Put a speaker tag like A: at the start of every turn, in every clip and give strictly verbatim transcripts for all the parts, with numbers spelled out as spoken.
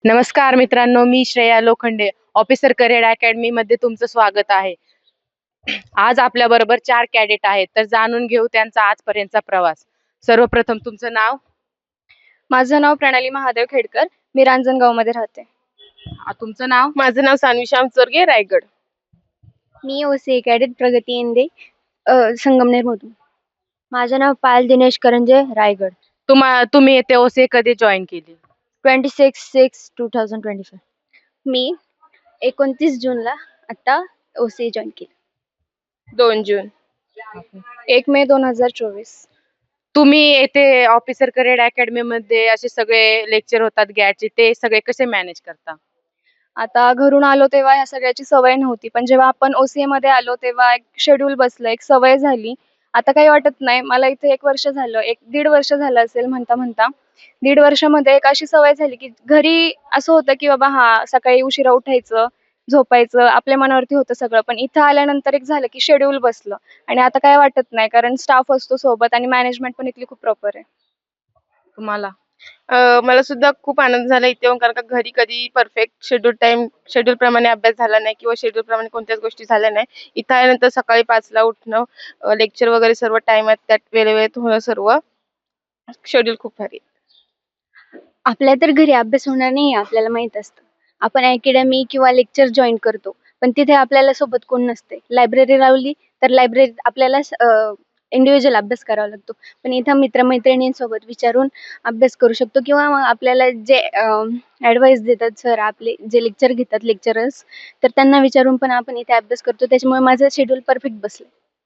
A: नमस्कार मित्रांनो, मी Shreya Lokhande. Officer career academy मध्ये तुमचं स्वागत आहे. आज आपल्या बरोबर चार कॅडेट आहेत, तर जाणून घेऊ त्यांचा आजपर्यंतचा प्रवास. सर्वप्रथम तुमचं नाव?
B: माझं नाव प्रणाली महादेव खेडकर. मी रांजणगाव मध्ये राहते.
A: आ, तुमचं नाव?
C: माझं नाव सानवी श्याम चोरगे, रायगड.
B: मी ओसी कॅडेट प्रगती इंदे, संगमनेर मधून. माझं नाव पायल दिनेश करंजे, रायगड.
A: तुम्हा तुम्ही येथे ओसे कधी जॉईन केली?
B: Twenty six six two thousand twenty five. मी एकोणतीस जूनला आता ओसी जॉईन केली.
C: दोन जून.
B: एक मे दोन हजार चोवीस.
A: तुम्ही येथे ऑफिसर करिअर अकॅडमी मध्ये असे सगळे लेक्चर होतात गॅटचे, ते सगळे कसे मॅनेज करता?
B: आता घरून आलो तेव्हा ह्या सगळ्याची सवय नव्हती, पण जेव्हा आपण ओसीए मध्ये आलो तेव्हा एक शेड्यूल बसलं, एक सवय झाली. आता काही वाटत नाही. मला इथे एक वर्ष झालं, एक दीड वर्ष झालं असेल म्हणता म्हणता. दीड वर्षामध्ये एक अशी सवय झाली की घरी असं होतं की बाबा हा सकाळी उशिरा उठायचं, झोपायचं, आपल्या मनावरती होतं सगळं. पण इथं आल्यानंतर एक झालं की शेड्यूल बसलं आणि आता काय वाटत नाही, कारण स्टाफ असतो सोबत आणि मॅनेजमेंट पण इथली खूप प्रॉपर आहे.
A: तुम्हाला?
C: अं, मला सुद्धा खूप आनंद झाला इथे येऊन, कारण का घरी कधी परफेक्ट शेड्यूल टाइम शेड्यूल प्रमाणे अभ्यास झाला नाही किंवा शेड्यूल प्रमाणे कोणत्याच गोष्टी झाल्या नाही. इथं आल्यानंतर सकाळी पाचला उठणं, लेक्चर वगैरे सर्व टाइमात त्यात वेळेवेळेत होणं, सर्व शेड्यूल खूप भारी आहे.
B: आपल्या तर घरी अभ्यास होणार नाही आपल्याला माहित असतं. आपण अकॅडमी किंवा लेक्चर जॉईन करतो, पण तिथे आपल्याला सोबत कोण नसते. लायब्ररी लावली तर लायब्ररीत आपल्याला इंडिव्हिज्युअल अभ्यास करावा लागतो, पण इथं मित्रमैत्रिणींसोबत विचारून अभ्यास करू शकतो. किंवा मग आपल्याला जे ॲडवाईस देतात सर, आपले जे लेक्चर घेतात लेक्चरर्स, तर त्यांना विचारून पण आपण इथे अभ्यास करतो. त्याच्यामुळे माझं शेड्यूल परफेक्ट बसलं.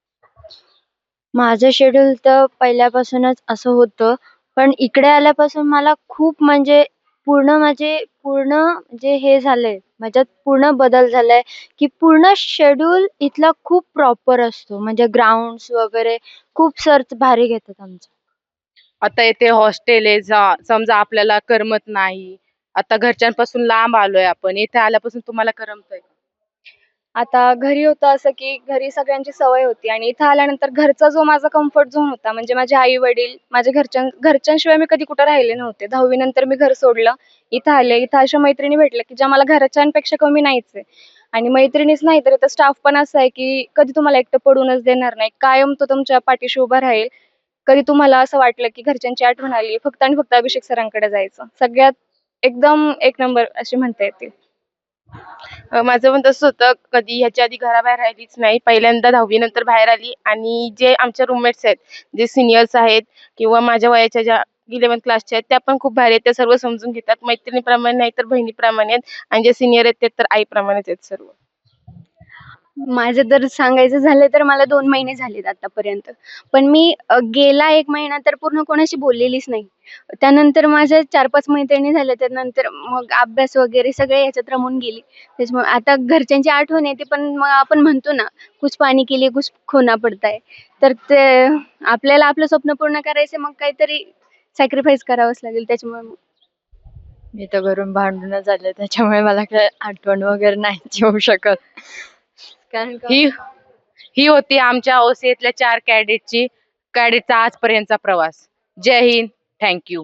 B: माझं शेड्यूल तर पहिल्यापासूनच असं होतं, पण इकडे आल्यापासून मला खूप म्हणजे पूर्ण माझे पूर्ण जे हे झालंय, माझ्यात पूर्ण बदल झालाय, की पूर्ण शेड्यूल इथला खूप प्रॉपर असतो. म्हणजे ग्राउंड्स वगैरे खूप सर भारी घेतात आमचं.
A: आता येथे हॉस्टेल आहे, जा- समजा आपल्याला करमत नाही, आता घरच्यांपासून लांब आलोय आपण, इथे आल्यापासून तुम्हाला करमतंय का?
B: आता घरी होतं असं की घरी सगळ्यांची सवय होती आणि इथं आल्यानंतर घरचा जो माझा कम्फर्ट झोन होता, म्हणजे माझे आई वडील, माझ्या घरच्यां घरच्यांशिवाय मी कधी कुठं राहिले नव्हते. दहावी नंतर मी घर सोडलं, इथं आले. इथं अशा मैत्रिणी भेटल्या की ज्या मला घरच्यांपेक्षा कमी नाहीच आहे. आणि मैत्रिणीच नाही तर इथं स्टाफ पण असा आहे की कधी तुम्हाला एकटं पडूनच देणार नाही. कायम तो तुमच्या पाठीशी उभा राहील. कधी तुम्हाला असं वाटलं की घरच्यांची आठवण आली, फक्त आणि फक्त अभिषेक सरांकडे जायचं. सगळ्यात एकदम एक नंबर अशी म्हणता येतील.
C: अं, माझं पण तसंच होतं. कधी ह्याच्या आधी घराबाहेर राहिलीच नाही. पहिल्यांदा दहावी नंतर बाहेर आली, आणि जे आमच्या रूममेट्स आहेत, जे सिनियर्स आहेत किंवा माझ्या वयाच्या ज्या इलेव्हन्थ क्लासच्या आहेत, त्या पण खूप भारी आहेत. त्या सर्व समजून घेतात. मैत्रिणीप्रमाणे नाही तर बहिणीप्रमाणे आहेत, आणि जे सिनियर आहेत ते तर आईप्रमाणेच आहेत सर्व.
B: माझं जर सांगायचं झालं तर मला दोन महिने झालेत आतापर्यंत. पण मी अ, गेला एक महिना तर पूर्ण कोणाशी बोललेलीच नाही. त्यानंतर माझ्या चार पाच मैत्रिणी झाल्या. त्यानंतर मग अभ्यास वगैरे सगळे ह्याच्यात रमून गेली. त्याच्यामुळे आता घरच्यांची आठवण येते, पण मग आपण म्हणतो ना, कुछ पानी के लिए कुछ खोना पडता है. तर ते आपल्याला आपलं स्वप्न पूर्ण करायचं, मग काहीतरी सॅक्रिफाईस करावंच लागेल. त्याच्यामुळे मग
D: मी तर घरून भांडून झाले, त्याच्यामुळे मला काय आठवण वगैरे नाही येऊ शकत. कारण का
A: ही ही होती आमच्या ओसीएतल्या चार कॅडेटची कॅडेटचा आजपर्यंतचा प्रवास. जय हिंद, थँक्यू.